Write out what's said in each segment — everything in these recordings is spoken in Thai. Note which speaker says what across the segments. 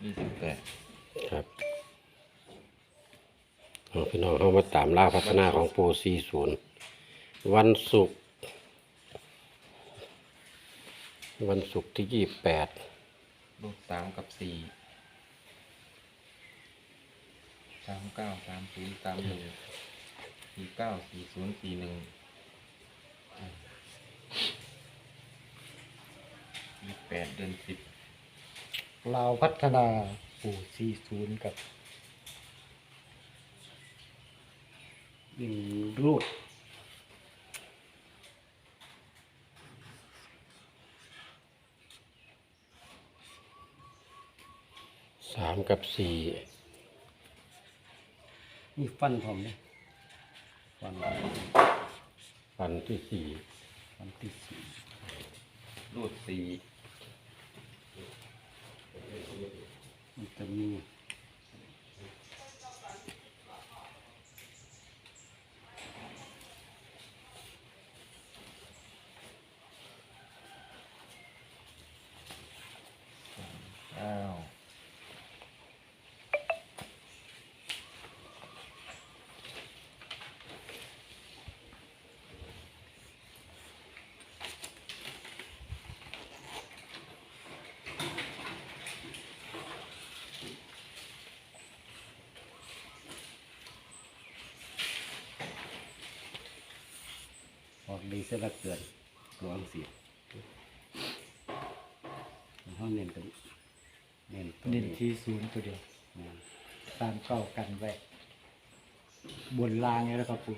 Speaker 1: 28
Speaker 2: ครับพี่น้องเข้ามาตามล่าพัฒนาของปู40วันศุกร์ที่28
Speaker 1: รูด3กับ4 39 30 31 49 40 41 28เดือน10
Speaker 3: ลาวพัฒนาปู่40กับวิ่งรูด
Speaker 2: 3กับ4
Speaker 3: นี่ฟันผมเนี่ยฟัน
Speaker 2: ที่
Speaker 3: ฟันที่4
Speaker 1: รูด4
Speaker 3: มันจะมีออกดีเสียละเกินตัวอังสีเขาเน้นตัวเน้นที่0ตัวเดียว39กันไว้บนล่างนี่แล้วครับปู่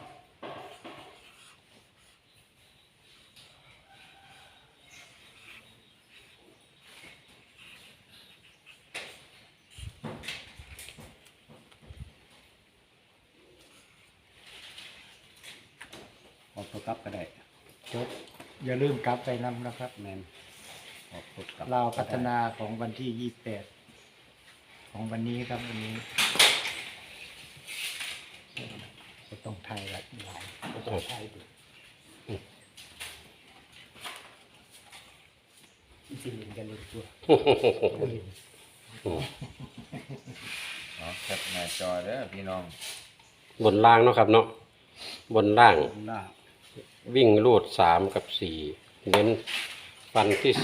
Speaker 3: ออกตัวกลับก็ได้จบอย่าลืมกลับไปนำนะครับแมนออกตัวกลับลาวพัฒนาของวันที่28ของวันนี้ครับวันนี้ก็ต้องไทยละหลายก็ต้องไทยดูจริงกันเลยตัว
Speaker 1: แคปหน้าจอเด้อพี่น้อง
Speaker 2: บนล่างเนาะครับเนาะบนล่าง
Speaker 3: หน้า
Speaker 2: วิ่งรูด3กับ4เน้นฟันที่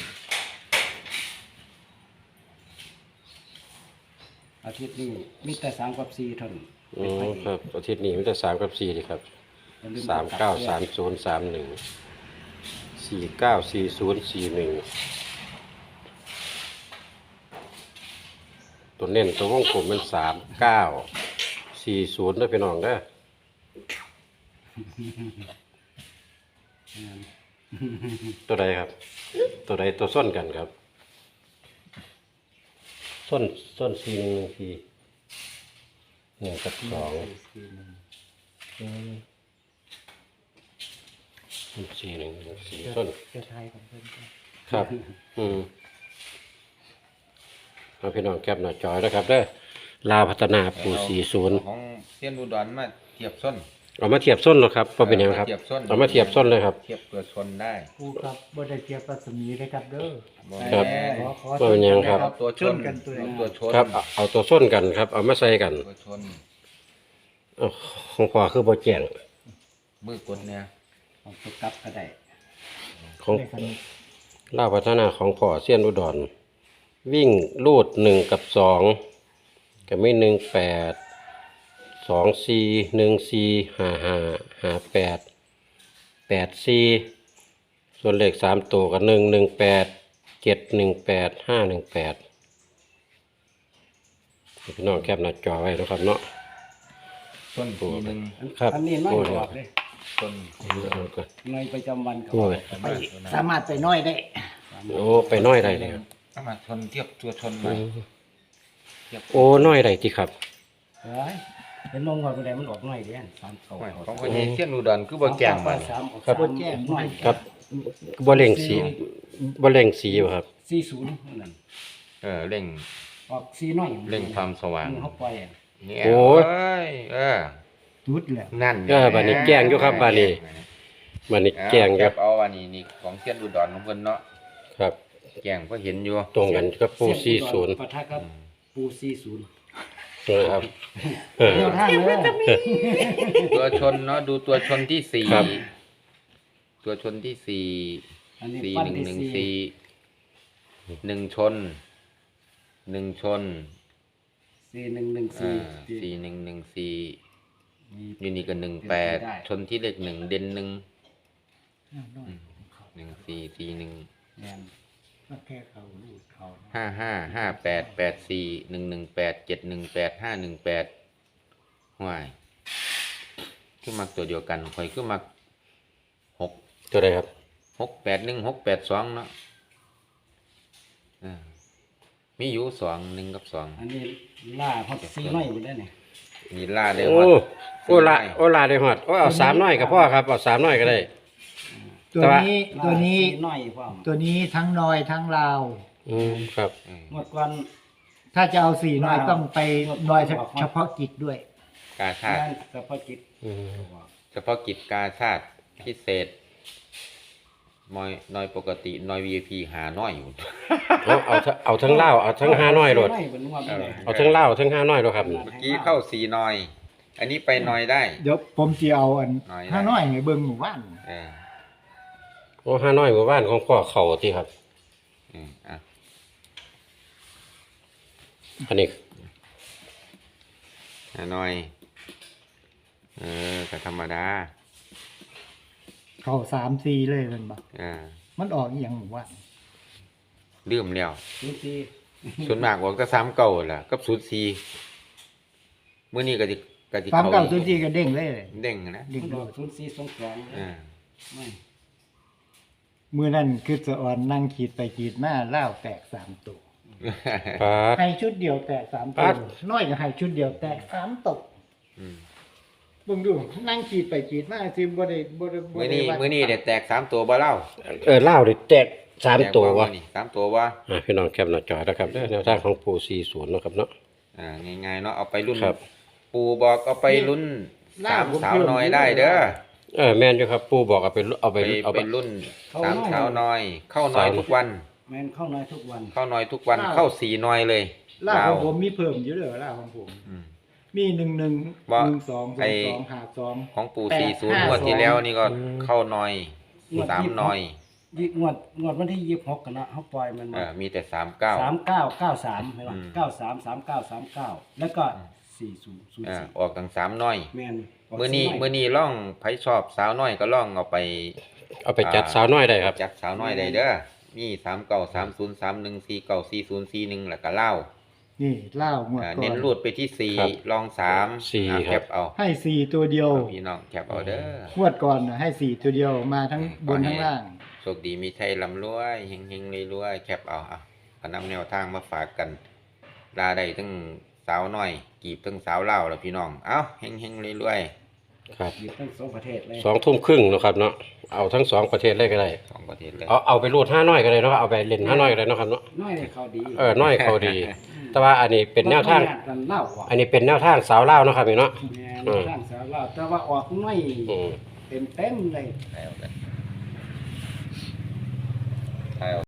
Speaker 3: อาทิตย์นี้มีแต่3กับ4เท่านั้น
Speaker 2: 4ครับอาทิตย์นี้มันจะ3กับ4ดีครับ39 30 31 49 40 41ตัวเน้นตัววงกลมเป็น39 40ด้วยพี่น้องเด้อตัวใดครับ ตัวใดตัวส้นกันครับส้น4 1 1 กับ24 1 4ส้น
Speaker 3: จะไทยของเพื่อน
Speaker 2: ครับเอาพี่น้องแคปหน้าจอนะครับเด้อลาวพัฒนาปู่40
Speaker 1: ของเซียนอุดรมาเทียบส้น
Speaker 2: เอามาเทียบส้นหรอครับพอเป็นยังครับเอามาเทียบส้นเลยครับ
Speaker 1: เทียบตัวชนได้
Speaker 3: ผู้ครับบ่ได้เทียบรัศมีเลยครับเด้อ
Speaker 2: ครับ
Speaker 3: ขอ
Speaker 2: ว่าเป็นยังครับ
Speaker 1: เอาตัวชน
Speaker 3: กันตัวไหน
Speaker 1: ตัวชน
Speaker 2: ครับเอาตัวส้นกันครับเอามาใส่กัน
Speaker 1: ตัวชน
Speaker 2: เอาของพ่อคือบ่แจ้ง
Speaker 1: มือกดเนี่ย
Speaker 3: เอาตัวกลับก็ได้
Speaker 2: ของลาวพัฒนาของพ่อเซียนอุดรวิ่งรูด1กับ2ก็มี18 24 14 55 58 84ส่วนเลข3ตัวก็118 718 518พี่น้องแคปหน้าจอไว้นะครับเนาะ
Speaker 1: ส้นทีหนึ่ง
Speaker 2: ครับ
Speaker 3: อันนี้น้อย
Speaker 2: โอ้
Speaker 3: ออกเลย
Speaker 1: ส้น
Speaker 2: เอาก่อน
Speaker 3: ในประจำวันเขา
Speaker 2: โอ้ย
Speaker 3: ไปสามารถไปน้อยได้
Speaker 2: โอ้ไปน้อยได้เลยครับ
Speaker 1: เอามาชนเทียบตัวชนมาเทียบ
Speaker 2: โอ้น้อยได้ที่ครับ
Speaker 3: เฮ้ยเป็นลงว่าไปได้มันออกน้อยเด้3เก่า
Speaker 1: ของคนนี้เซียนอุดรคือบ่แจ้งมา
Speaker 3: ครับบ่แจ้งน้อย
Speaker 2: ครับบ่เร่งสีบ่เร่งสีบ่ครับ
Speaker 3: 40นั่น
Speaker 1: เร่ง
Speaker 3: ออก4น้อย
Speaker 1: เร่งความสว่าง
Speaker 3: เขาปล่อยอะ
Speaker 1: เนี่ย
Speaker 2: โอ้ย
Speaker 3: จุดแล้ว
Speaker 1: นั่น
Speaker 2: บัดนี้แจ้งอยู่ครับบัดนี้ มันนี่แจ้ง
Speaker 1: ค
Speaker 2: ค
Speaker 1: รั
Speaker 2: รั
Speaker 1: บบ เอาอันนี้นี่ของเซียนอุดรของเพิ่นเนาะ
Speaker 2: ครับ
Speaker 1: แจ้งก็เห็นอยู่
Speaker 2: ตรงกันกับปู
Speaker 4: เสี้ยนอุดร
Speaker 2: 40
Speaker 4: ปะทะกับปู40
Speaker 2: นะครับ
Speaker 4: เดียวทางเลย
Speaker 1: ตัวชนเนาะดูตัวชนที่สี่
Speaker 2: ครับ
Speaker 1: ตัวชนที่สี่
Speaker 4: อันนี้
Speaker 1: สี่
Speaker 4: ปั้น
Speaker 1: หนึ่ง
Speaker 4: ที่
Speaker 1: หนึ่ง
Speaker 4: สี่
Speaker 1: สี่หนึ่งชนหนึ่งชน
Speaker 4: 4114
Speaker 1: สี่หนึ่งหนึ่งสี่
Speaker 4: มี
Speaker 1: อยู่นี่ก็18ชนที่เลข1เด่น1
Speaker 4: น้อย
Speaker 1: 1441
Speaker 4: แม่นก็แค่เขาลูดเขา
Speaker 1: 555884118718 518ห่วยคือมักตัวเดียวกันข่อยคือมัก6
Speaker 2: ตัวใดครับ
Speaker 1: 681 682เนาะมีอยู่2 1กับ2
Speaker 4: อันนี้ล่าฮอตซีน้อยอยู่ได้เนี่ย
Speaker 1: นี่ล่าได้
Speaker 2: โอ้
Speaker 1: ฮอด
Speaker 2: โอ้ละโอ้ลาได้ฮอดโอ้เอา3น้อยก็พอครับเอา3น้อยก็ได้
Speaker 3: ตัวนี้ตัวนี้
Speaker 4: ซีน้อยพร้อม
Speaker 3: ตัวนี้ทั้งน้อยทั้งลาว
Speaker 2: ครับ
Speaker 4: งวดก่อน
Speaker 3: ถ้าจะเอาสี่น้อยต้องไปน้อยเฉพาะกิจด้วย
Speaker 1: กาชาติ
Speaker 4: งานเฉพาะกิจ
Speaker 1: เฉพาะกิจกาชาติพิเศษน้อยปกติน้อย VIP หาน้อยอยู่
Speaker 2: เอาทั้งลาวเอาทั้ง5น้อยโลด
Speaker 4: ซีน้อยเป็นงวดเลย
Speaker 2: เอาทั้งลาวทั้ง5น้อยโลดครับ
Speaker 1: เมื่อกี้เข้า4น้อย อันนี้ไปน้อยได้
Speaker 3: เดี๋ยวผมจะเอาอัน
Speaker 1: น้อยนะ
Speaker 3: ห้าน้อยให้เบิ่งหมู่บ้าน
Speaker 1: เออ
Speaker 2: โอ้5น้อยหมู่บ้านของพ่อเข้าติครับ
Speaker 1: อ่ะ
Speaker 2: อันนี้
Speaker 1: หาน้อยก็ธรรมดา
Speaker 3: เข้า3-4เลยมันบ่
Speaker 1: อ่า
Speaker 3: มันออกอีหยังหมู่บ้าน
Speaker 1: ลืมแล้ว
Speaker 4: ศูนย์สี่
Speaker 1: ส่วนมากบอกก็3เก่าล่ะกับ04มื้อนี้ก็สิ
Speaker 3: ความ
Speaker 1: เข้า
Speaker 3: เก่าตัวที่ก็เด้งเลย
Speaker 1: เด้งนะ
Speaker 3: เด้ง
Speaker 4: มัน
Speaker 3: เล
Speaker 4: อย อก0422
Speaker 1: อ่า
Speaker 4: ไม่
Speaker 3: มื้อนั้นคือสะอ่อนนั่งขีดไปขีดมาล่าวแตก3ตัว
Speaker 2: ครับ
Speaker 3: ให้ชุดเดียวแตก3
Speaker 2: ครั
Speaker 3: ตัว
Speaker 2: บ
Speaker 3: น้อยก็ให้ชุดเดียวแตก3ตก
Speaker 1: อืม
Speaker 3: เบิ่งดูนั่งขีดไปขีดมาซิบ่ได้บ่ได้บ่
Speaker 1: มื้อ
Speaker 3: ได้
Speaker 1: นี้
Speaker 3: ว่า
Speaker 1: มื้อนี้ได้แตก3ตัวบ่เล่า
Speaker 2: ลาวนี่แตก3ตัว
Speaker 1: แตก
Speaker 2: วะ
Speaker 1: มื้อนี้3ตัวบ่
Speaker 2: พี่น้องแคปหน้าจอนะครับเด้อแนวทางของปู40เนาะครับเนาะ
Speaker 1: ง่ายๆเนาะเอาไปรุ่น
Speaker 2: ครับ
Speaker 1: ปู่บอกเอาไปรุ่น3สาวน้อยได้เด้อ
Speaker 2: แม่นอยู่ครับปูบอกเอาไปเอาไป
Speaker 1: ไปรุ่น3สาวน้อย เข้าน้อยทุกวัน
Speaker 4: แม่นเข้าน้อยทุกวัน
Speaker 1: เข้าน้อยทุกวันเข้า4น้อยเลย
Speaker 3: ล่าของผมมีเพิ่มอยู่เด้อล่าของผม
Speaker 1: อืม
Speaker 3: มี1-1
Speaker 1: ว่า
Speaker 3: 1-2
Speaker 1: ไอ้
Speaker 3: 2-2 5-2
Speaker 1: ของปู่
Speaker 3: แปด
Speaker 1: 40
Speaker 3: ห้าง
Speaker 1: วดที่แล้วนี่ก็
Speaker 2: อืม
Speaker 1: เข้าน้อย3น้อย
Speaker 4: งวดวันที่26กันนะเฮาปล่อยมันมา
Speaker 1: มีแต่
Speaker 4: 3993เห็นบ่
Speaker 1: อืม
Speaker 4: 933939แล้วก็4004
Speaker 1: ออกตั้ง3น้อย
Speaker 4: แม่น
Speaker 1: มื้อนี้ล่องไผชอบสาวน้อยก็ล่องเอาไป
Speaker 2: เอาไปจัดสาวน้อยได้ครับ
Speaker 1: จัดสาวน้อยได้เด้อมี393031404041แล้วก็เล่า
Speaker 3: นี่ล่าวงวดก่อน
Speaker 1: เน้นรูดไปที่
Speaker 2: ครับ
Speaker 1: 4ลอง3
Speaker 2: สี่
Speaker 1: แค
Speaker 2: ครับ
Speaker 1: ปเอา
Speaker 3: ให้4ตัวเดียว
Speaker 1: พี่น้องแคปเอาเด้อ
Speaker 3: งวดก่อนน่ะให้4ตัวเดียวมาทั้งบนทั้งล่าง
Speaker 1: โชคดีมีชัยร่ำรวยเฮงๆรวยๆแคปเอาก็นำแนวทางมาฝากกันลาได้ทั้งสาวน้อย กีบทั้งสาวเล่าวแล้วพี่น้องเอ้าเฮงๆรวย
Speaker 2: ครับ
Speaker 4: อยู่ทั้งสองประเทศเลย
Speaker 2: 2 ทุ่มครึ่งเนาะครับเนาะเอาทั้ง2ประเทศเลยก็ได้
Speaker 1: ๆ2ประเทศเลย
Speaker 2: เอาไปรูด5น้อยก็ได้เนาะเอาไปเล่น5น้อยก็ได้เนาะครับเนาะ
Speaker 4: น้อยเลยเขาดี
Speaker 2: น้อยเขาดี แต่ว่าอันนี้เป็นแนวทาง
Speaker 4: กันเล่าออก
Speaker 2: อันนี้เป็นแนวทางสาวลาวเนาะครับพี่เนาะ
Speaker 4: แม่นทางสาวเล่าแต่ว่าออกน้อย
Speaker 2: อืม
Speaker 4: เต็มเลย
Speaker 1: แล้วกัน